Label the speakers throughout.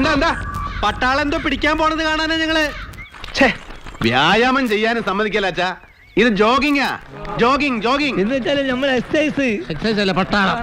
Speaker 1: എന്താ പട്ടാളം എന്തോ പിടിക്കാൻ പോണത് കാണാനാ ഞങ്ങള്.
Speaker 2: വ്യായാമം ചെയ്യാനും സമ്മതിക്കല്ല. ഇത് ജോഗിങ്ങാ. ജോഗിങ്
Speaker 3: എന്ന് വെച്ചാല് നമ്മൾ എക്സസൈസ്
Speaker 1: അല്ല പട്ടാളം.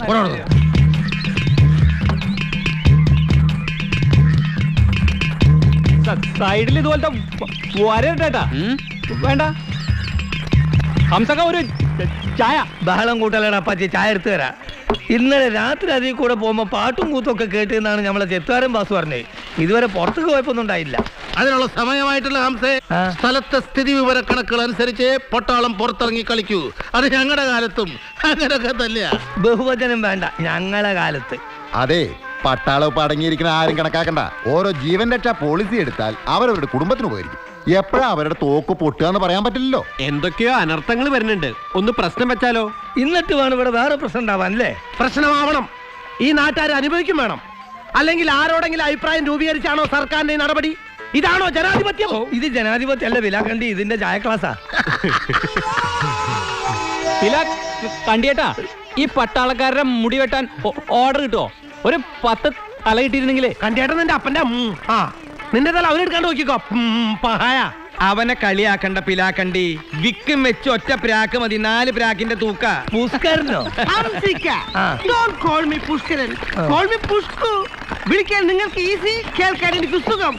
Speaker 3: സൈഡിൽ ഇതുപോലത്തെ വരട്ടാ വേണ്ട. ഹംസക്ക ഒരു ചായ. ബഹളം കൂട്ടലടാ പറ്റി ചായ എടുത്തു തരാം. ഇന്നലെ രാത്രി അതിൽ കൂടെ പോകുമ്പോ പാട്ടും കൂത്തൊക്കെ കേട്ടെന്നാണ് നമ്മളെ ചെത്തുകാരൻ ബാസ് പറഞ്ഞത്. ഇതുവരെ പുറത്തേക്ക് പോയപ്പൊന്നും ഉണ്ടായില്ല.
Speaker 2: അതിനുള്ള സമയമായിട്ടുള്ള ഹംസേ, സ്ഥലത്തെ സ്ഥിതി വിവര കണക്കുകൾ അനുസരിച്ച് പട്ടാളം പുറത്തിറങ്ങി കളിക്കൂ. അത് ഞങ്ങളുടെ കാലത്തും അങ്ങനെയൊക്കെ തന്നെയാ.
Speaker 3: ബഹുവചനം വേണ്ട, ഞങ്ങളെ കാലത്ത്.
Speaker 4: അതെ, പട്ടാളം ഇപ്പൊ അടങ്ങിയിരിക്കുന്ന ആരും കണക്കാക്കണ്ട. ഓരോ ജീവൻ രക്ഷാ പോളിസി എടുത്താൽ അവരവരുടെ കുടുംബത്തിന് ഉപകരിക്കും. എപ്പോഴാ അവരുടെ തോക്ക് പൊട്ടുക എന്ന് പറയാൻ പറ്റില്ലല്ലോ.
Speaker 1: എന്തൊക്കെയോ അനർത്ഥങ്ങൾ വരുന്നുണ്ട്. ഒന്ന് പ്രശ്നം വെച്ചാലോ?
Speaker 3: എന്നിട്ട് വേണം ഇവിടെ വേറെ പ്രശ്നം ഉണ്ടാവാൻ അല്ലേ?
Speaker 2: പ്രശ്നമാവണം. ഈ നാട്ടുകാർ അനുഭവിക്കും വേണം. അല്ലെങ്കിൽ ആരോടെങ്കിലും അഭിപ്രായം രൂപീകരിച്ചാണോ സർക്കാരിന്റെ നടപടി? ഇതാണോ ജനാധിപത്യം?
Speaker 3: ഇത് ജനാധിപത്യം അല്ല വിലാക്കണ്ടി, ഇതിന്റെ ചായ ക്ലാസ്സാ. കണ്ടിയേട്ടാ, ഈ പട്ടാളക്കാരുടെ മുടി വെട്ടാൻ ഓർഡർ കിട്ടുമോ? ഒരു 10 തല കിട്ടിയിരുന്നെങ്കിലേ.
Speaker 2: കണ്ടിയേട്ടൻ നിന്റെ അപ്പന്റെ നിന്റെ തല അവനെടുക്കാണ്ട് നോക്കിക്കോ.
Speaker 3: അവനെ കളിയാക്കണ്ട പിലാക്കണ്ടി. വിക്കും വെച്ച് ഒറ്റ പ്രാക്ക് മതി, 4 പ്രാക്കിന്റെ തൂക്ക. പുഷ്കരനോ?
Speaker 2: വിളിക്കാൻ നിങ്ങൾക്ക് ഈസി, കേൾക്കാൻ എനിക്ക് സുഖം.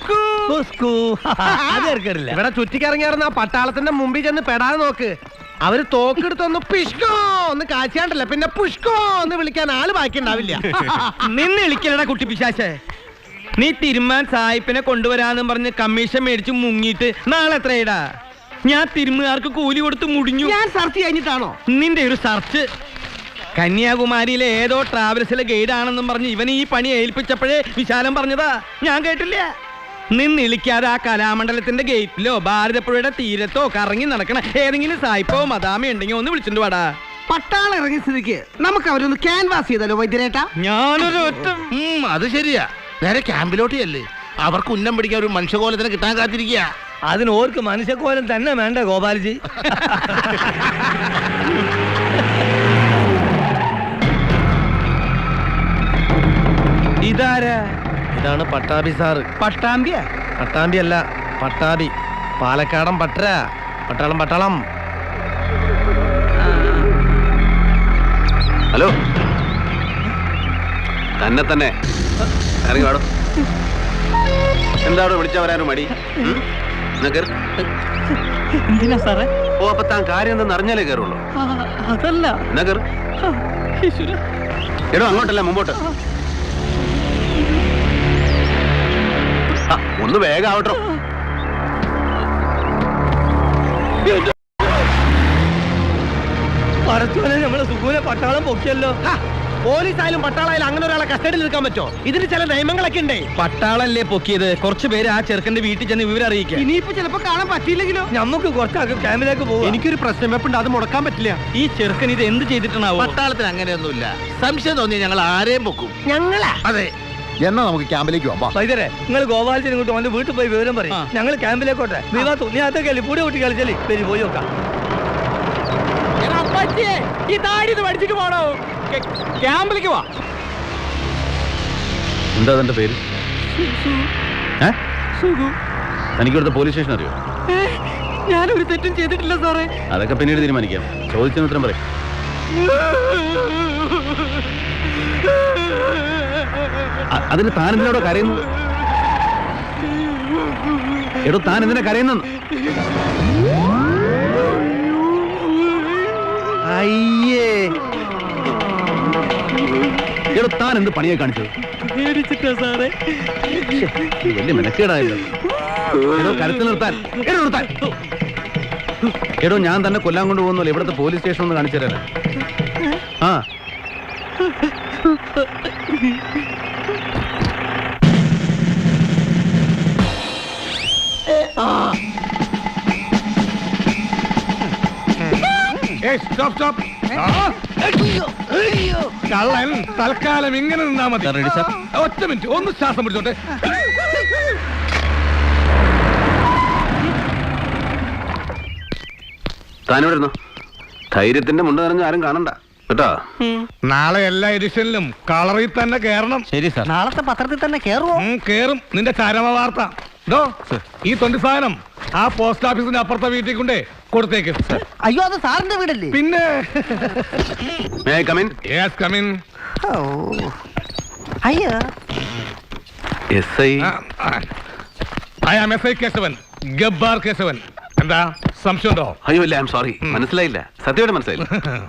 Speaker 2: ഇവിടെ ചുറ്റിക്കറങ്ങിയാർന്ന പട്ടാളത്തിന്റെ മുമ്പിൽ ചെന്ന് പെടാതെ നോക്ക്. അവര് തോക്കെടുത്തൊന്ന് പിഷ്കോ ഒന്ന് കാച്ചാണ്ടല്ല, പിന്നെ പുഷ്കോ എന്ന് വിളിക്കാൻ ആള് ബാക്കി ഉണ്ടാവില്ല.
Speaker 3: നിന്ന് വിളിക്കലടാ കുട്ടി പിശാചേ. നീ തിരുമാൻ സായിപ്പിനെ കൊണ്ടുവരാന്നും പറഞ്ഞ് കമ്മീഷൻ മേടിച്ച് മുങ്ങിയിട്ട് നാളെ എത്രയിടാ? ഞാൻ തിരുമുകാർക്ക് കൂലി കൊടുത്ത് മുടിഞ്ഞു.
Speaker 2: ഞാൻ സെർച്ച് കഴിഞ്ഞിട്ടാണോ?
Speaker 3: നിന്റെ ഒരു സെർച്ച്. കന്യാകുമാരിയിലെ ഏതോ ട്രാവൽസിലെ ഗൈഡ് ആണെന്നും പറഞ്ഞ് ഇവൻ ഈ പണി ഏൽപ്പിച്ചപ്പോഴേ വിശാലം പറഞ്ഞതാ, ഞാൻ കേട്ടില്ല. നിന്നിളിക്കാതെ ആ കലാമണ്ഡലത്തിന്റെ ഗേറ്റിലോ ഭാരതപ്പുഴയുടെ തീരത്തോ കറങ്ങി നടക്കണ ഏതെങ്കിലും സായിപ്പോ മദാമ ഉണ്ടെങ്കിൽ ഒന്ന് വിളിച്ചിട്ട് വാടാ.
Speaker 2: പട്ടാളം ഇറങ്ങിയ സ്ഥിതിക്ക് നമുക്ക് അവരൊന്ന് ക്യാൻവാസ് ചെയ്തല്ലോ വൈദ്യരേട്ടാ.
Speaker 3: ഞാനൊരു ഒറ്റ
Speaker 2: അത് ശരിയാ. നേരെ ക്യാമ്പിലോട്ട് അല്ലേ? അവർക്ക് ഉന്നം പിടിക്കാൻ ഒരു മനുഷ്യകോലത്തിന് കിട്ടാൻ കാത്തിരിക്കുക.
Speaker 3: അതിന് ഓർക്ക് മനുഷ്യക്കോലം തന്നെ വേണ്ട ഗോപാൽജി. ഇതാരാ?
Speaker 2: ഇതാണ് പട്ടാഭി സാറ്.
Speaker 3: പട്ടാമ്പിയ?
Speaker 2: പട്ടാമ്പി അല്ല, പട്ടാഭി. പാലക്കാടൻ പട്ടര. പട്ടാളം.
Speaker 1: ഹലോ, തന്നെ ഇറങ്ങി വാടോ. എന്താണോ വിളിച്ചാ വരാനോ മടി?
Speaker 3: എന്തിനാ സാറേ?
Speaker 1: ഓ, അപ്പൊ താൻ കാര്യം എന്തെന്ന് അറിഞ്ഞാലേ കയറുള്ളൂ.
Speaker 3: അതല്ല.
Speaker 1: എടോ, അങ്ങോട്ടല്ല മുമ്പോട്ട്. ഒന്ന് വേഗം ആവട്ടോ.
Speaker 3: പറച്ചോനെ, നമ്മളെ സുഖൂനെ പട്ടാളം പൊക്കിയല്ലോ.
Speaker 2: പോലീസായാലും പട്ടാളായാലും അങ്ങനെ ഒരാളെ കസ്റ്റഡിയിൽ നിൽക്കാൻ പറ്റോ? ഇതിന് ചില നിയമങ്ങളൊക്കെ ഉണ്ടേ.
Speaker 3: പട്ടാളല്ലേ പൊക്കിയത്. കുറച്ചു പേര് ആ ചെറുക്കന്റെ വീട്ടിൽ ചെന്ന് വിവരം അറിയിക്കാം.
Speaker 2: ഇനിയിപ്പോ ചിലപ്പോ കാണാൻ പറ്റിയില്ലെങ്കിലോ?
Speaker 3: നമുക്ക് കുറച്ചാക്കും ക്യാമ്പിലേക്ക് പോകും.
Speaker 1: എനിക്കൊരു പ്രശ്നം വെപ്പുണ്ട്, അത് മുടക്കാൻ പറ്റില്ല.
Speaker 3: ഈ ചെറുക്കൻ ഇത് എന്ത് ചെയ്തിട്ടാണാവോ?
Speaker 2: പട്ടാളത്തിന് അങ്ങനെയൊന്നുമില്ല. സംശയം തോന്നി ഞങ്ങൾ ആരെയും പൊക്കും.
Speaker 4: ഞങ്ങളാ?
Speaker 2: അതെ.
Speaker 4: എന്നാ നമുക്ക് ക്യാമ്പിലേക്ക് പോവാം.
Speaker 3: വൈദ്യരെ, നിങ്ങൾ ഗോപാലത്തിന് ഇങ്ങോട്ട് അവന്റെ വീട്ടിൽ പോയി വിവരം പറയും. ഞങ്ങൾ ക്യാമ്പിലേക്കോട്ടെ. നീ അതൊക്കെ പൂടെ കുട്ടി കളിച്ചല്ലേ. പേര് പോയി നോക്കാം. ഈ താടി പഠിച്ചിട്ട് പോണോ? ക്യാമ്പിലേക്ക് വാ.
Speaker 1: എന്താ തന്റെ പേര്? തനിക്കിവിടുത്തെ പോലീസ് സ്റ്റേഷൻ അറിയോ?
Speaker 3: ഞാനൊരു തെറ്റും ചെയ്തിട്ടില്ല സാറേ.
Speaker 1: അതൊക്കെ പിന്നീട് തീരുമാനിക്കാം. ചോദിച്ചതിന് ഉത്തരം പറയും. അതിന് താൻ എന്തിനോടോ കരയുന്നു? എടോ, താൻ എന്തിനാ കരയുന്നു?
Speaker 2: അയ്യേ,
Speaker 1: എടോ, താൻ എന്ത് പണിയെ കാണിച്ചത്?
Speaker 3: സാറേ,
Speaker 1: വലിയ മെനക്കേടായല്ലോ. എടോ, കരുത്തിൽ നിർത്താൻ. എടോ, ഞാൻ തന്നെ കൊല്ലാൻ കൊണ്ടുപോകുന്നല്ലോ. ഇവിടുത്തെ പോലീസ് സ്റ്റേഷൻ ഒന്ന് കാണിച്ചു തരാനാ. ആ,
Speaker 5: കള്ളൻ തൽക്കാലം ഇങ്ങനെ നിന്നാ മതി. ഒറ്റ മിനിറ്റ്, ഒന്ന് ശ്വാസം പിടിച്ചോട്ടെ.
Speaker 1: താനിവിടെ ഇരുന്നോ. ധൈര്യത്തിന്റെ മുണ്ട് നിറഞ്ഞ ആരും കാണണ്ട. കേട്ടോ
Speaker 5: നാളെ എല്ലാ എഡിഷനിലും കളറിൽ തന്നെ കേറണം.
Speaker 3: ശരി സാർ.
Speaker 2: നാളത്തെ പത്രത്തിൽ തന്നെ കേറുവോ?
Speaker 5: കേറും. നിന്റെ ചരമ വാർത്ത ഡോ ഈ തൊണ്ടി സാധനം ആ പോസ്റ്റ് ഓഫീസിന്റെ അപ്പുറത്തെ വീട്ടിൽ കൊണ്ടേ കൊടുത്തേക്ക്.
Speaker 2: അയ്യോ, അത് സാറിന്റെ വീടല്ലേ?
Speaker 5: പിന്നെ
Speaker 1: may I come in?
Speaker 5: Yes come in.
Speaker 2: അയ്യോ,
Speaker 1: SI
Speaker 5: I am S I Keshavan, Gabbar Keshavan. എന്താ സംശയം ഉണ്ടോ?
Speaker 1: അയ്യോ ഇല്ല, ഐ എം സോറി, മനസ്സിലായില്ല. സത്യമായിട്ട് മനസ്സിലായില്ല.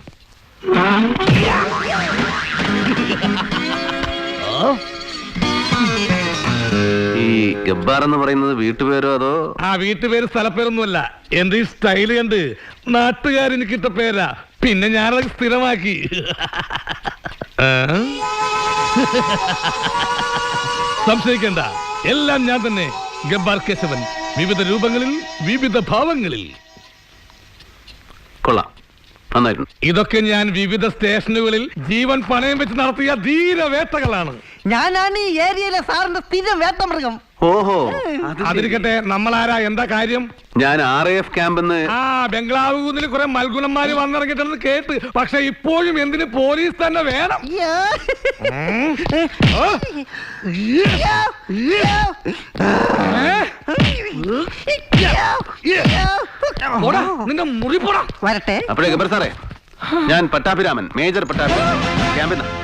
Speaker 1: ഈ ഗബ്ബാർ എന്ന് പറയുന്നത് വീട്ടുപേരോ അതോ?
Speaker 5: ആ വീട്ടുപേര് സ്ഥലപ്പേരൊന്നുമല്ല. എന്റെ ഈ സ്റ്റൈല് കണ്ട് നാട്ടുകാരെനിക്ക് ഇട്ട പേരാ. പിന്നെ ഞാനത് സ്ഥിരമാക്കി. സംശയിക്കണ്ട, എല്ലാം ഞാൻ തന്നെ. ഗബ്ബാർ കേശവൻ, വിവിധ രൂപങ്ങളിൽ വിവിധ ഭാവങ്ങളിൽ.
Speaker 1: കൊള്ളാം, നന്നായിരുന്നു.
Speaker 5: ഇതൊക്കെ ഞാൻ വിവിധ സ്റ്റേഷനുകളിൽ ജീവൻ പണയം വെച്ച് നടത്തിയ ധീരവേട്ടകളാണ്.
Speaker 2: ഞാനാണ് ഈ ഏരിയയിലെ സാറിന്റെ സ്ഥിരം വേട്ടമൃഗം.
Speaker 1: ഓഹോ,
Speaker 5: അതിരിക്കട്ടെ, നമ്മളാരാ, എന്താ കാര്യം?
Speaker 1: ഞാൻ RAF ക്യാമ്പെന്ന്.
Speaker 5: ആ ബംഗ്ലാവ് കുന്നിൽ കുറെ മൽഗുണന്മാര് വന്നിറങ്ങിട്ടെന്ന് കേട്ട്. പക്ഷെ ഇപ്പോഴും എന്തിന് പോലീസ് തന്നെ വേണം? പോടാ, നിന്റെ മുറി പോടാ.
Speaker 2: വരട്ടെ.
Speaker 1: അപ്പോഴേ ഗബ്ബർ സാറേ, ഞാൻ പട്ടാഭിരാമൻ, മേജർ പട്ടാഭിരാമൻ, ക്യാമ്പിൽ നിന്ന്.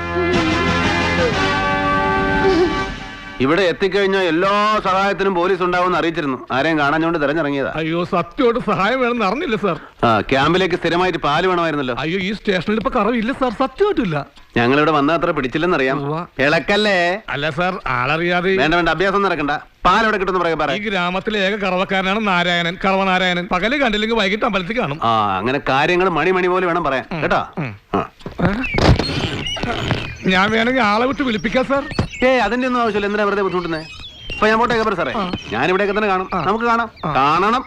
Speaker 1: ഇവിടെ എത്തിക്കഴിഞ്ഞാൽ എല്ലാ സഹായത്തിനും പോലീസ് ഉണ്ടാവുമെന്ന് അറിയിച്ചിരുന്നു. ആരെയും കാണാഞ്ഞോണ്ട് തെരഞ്ഞിറങ്ങിയതാ.
Speaker 5: അയ്യോ, സത്യമായിട്ട് സഹായം വേണമെന്ന് അറിഞ്ഞില്ല സാർ.
Speaker 1: ആ ക്യാമ്പിലേക്ക് സ്ഥിരമായിട്ട് പാല് വേണമായിരുന്നല്ലോ.
Speaker 5: അയ്യോ, ഈ സ്റ്റേഷനിൽ ഇപ്പൊ കറവില്ല സാർ, സത്യമായിട്ടില്ല.
Speaker 1: ഞങ്ങളിവിടെ വന്ന അത്ര പിടിച്ചില്ലെന്നറിയാം.
Speaker 5: ഉവ്വ.
Speaker 1: ഇളക്കല്ലേ?
Speaker 5: അല്ല സാർ, ആളറിയാതെ.
Speaker 1: വേണ്ട വേണ്ട, അഭ്യാസം നടക്കണ്ട. പാൽ എവിടെ കിട്ടുന്ന പറയാ.
Speaker 5: ഈ ഗ്രാമത്തിലെ ഏക കറവക്കാരനാണ് നാരായണൻ, കറവനാരായണൻ. പകല് കണ്ടില്ലെങ്കിൽ വൈകിട്ട് അമ്പലത്തിൽ കാണും.
Speaker 1: ആ അങ്ങനെ കാര്യങ്ങൾ മണി പോലെ വേണം പറയാൻ കേട്ടോ.
Speaker 5: ഞാൻ വേണമെങ്കിൽ ആളെ വിട്ട് വിളിപ്പിക്കാം സാർ.
Speaker 1: അതിന്റെ ഒന്നും ആവശ്യമില്ല. എന്തിനാ വെറുതെ ബുദ്ധിമുട്ടുന്നേ? ഇപ്പൊ ഞാൻ പോട്ടെ ഗബ്ബർ സാറേ, ഞാൻ ഇവിടെയൊക്കെ തന്നെ കാണും. നമുക്ക് കാണാം. കാണണം.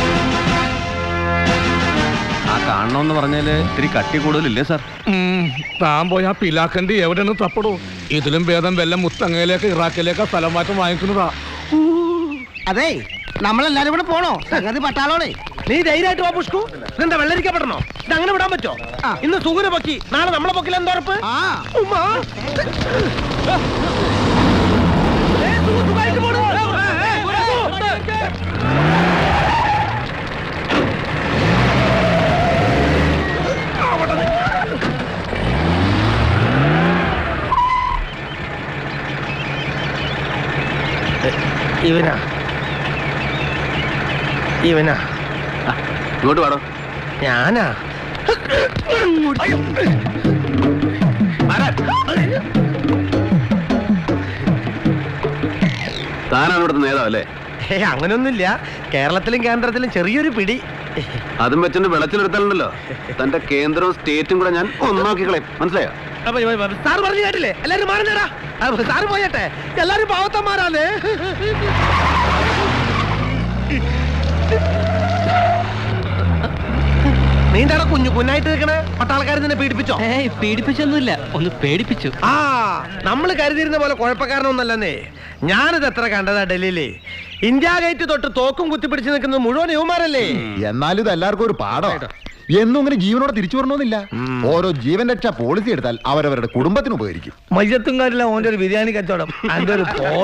Speaker 1: ആ കാണണമെന്ന് പറഞ്ഞാല് ഇത്തിരി കട്ടി കൂടുതലില്ലേ സാർ?
Speaker 5: താൻ പോയി ആ പിലാക്കണ്ടി എവിടെയാണ് തപ്പടോ? ഇതിലും ഭേദം വല്ല മുത്തങ്ങയിലേക്ക് ഇറാഖിലേക്ക് സ്ഥലം മാറ്റം വാങ്ങിക്കുന്നതാ.
Speaker 2: അതെ, നമ്മളെല്ലാരും കൂടെ പോണോ? സംഗതി പട്ടാളോടെ.
Speaker 6: നീ ധൈര്യമായിട്ട് വാ പുഷ്കു. ഇതെന്താ വെള്ളരിക്കപ്പെടണോ? ഇത് അങ്ങനെ വിടാൻ പറ്റോ? ഇന്ന് സുഗുന പൊക്കി, നാളെ നമ്മളെ പൊക്കിൽ എന്താ ഉറപ്പ്? ഉമ്മാ. സുഖമായിട്ട് പോണു. ഇവനാ
Speaker 1: ഇങ്ങോട്ട് പാടോ.
Speaker 6: ഞാനാ.
Speaker 1: താനാണ് ഇവിടുത്തെ നേതാവല്ലേ?
Speaker 6: അങ്ങനൊന്നുമില്ല. കേരളത്തിലും കേന്ദ്രത്തിലും ചെറിയൊരു പിടി.
Speaker 1: അതും വെച്ചിട്ട് വെളച്ചിലെടുത്താലുണ്ടല്ലോ, തന്റെ കേന്ദ്രവും സ്റ്റേറ്റും കൂടെ ഞാൻ ഒന്നാക്കി കളയും. മനസ്സിലായോ?
Speaker 6: സാറ് പറഞ്ഞു കേട്ടില്ലേ? എല്ലാരും മാറുന്നേടാ. സാറ് പോയട്ടെ, എല്ലാരും പാവത്തന്മാരാണ്. നീന്താടാ കുഞ്ഞായിട്ട് നിൽക്കണേ? പട്ടാളക്കാരൻ നിന്നെ പീഡിപ്പിച്ചോ?
Speaker 3: പീഡിപ്പിച്ചൊന്നുമില്ല, ഒന്ന് പേടിപ്പിച്ചു.
Speaker 6: ആ, നമ്മൾ കരുതിയിരുന്ന പോലെ കുഴപ്പക്കാരനൊന്നല്ലെന്നേ. ഞാനിത് എത്ര കണ്ടതാ ഡൽഹിയില്. ഇന്ത്യ ഗേറ്റ് തൊട്ട് തോക്കും കുത്തിപ്പിടിച്ച് നിൽക്കുന്നത് മുഴുവൻ യുവമാരല്ലേ.
Speaker 4: എന്നാലും ഇത് എല്ലാവർക്കും ഒരു പാഠമാണ്. എന്നും ഇങ്ങനെ ജീവനോടെ തിരിച്ചു വരണമെന്നില്ല. ഓരോ ജീവൻ രക്ഷാ പോളിസി എടുത്താൽ അവരവരുടെ കുടുംബത്തിന് ഉപകരിക്കും.
Speaker 6: മയ്യത്തും കാര്യമില്ല ഓന്റെ ഒരു ബിരിയാണി കച്ചവടം. അതിന്റെ ഒരു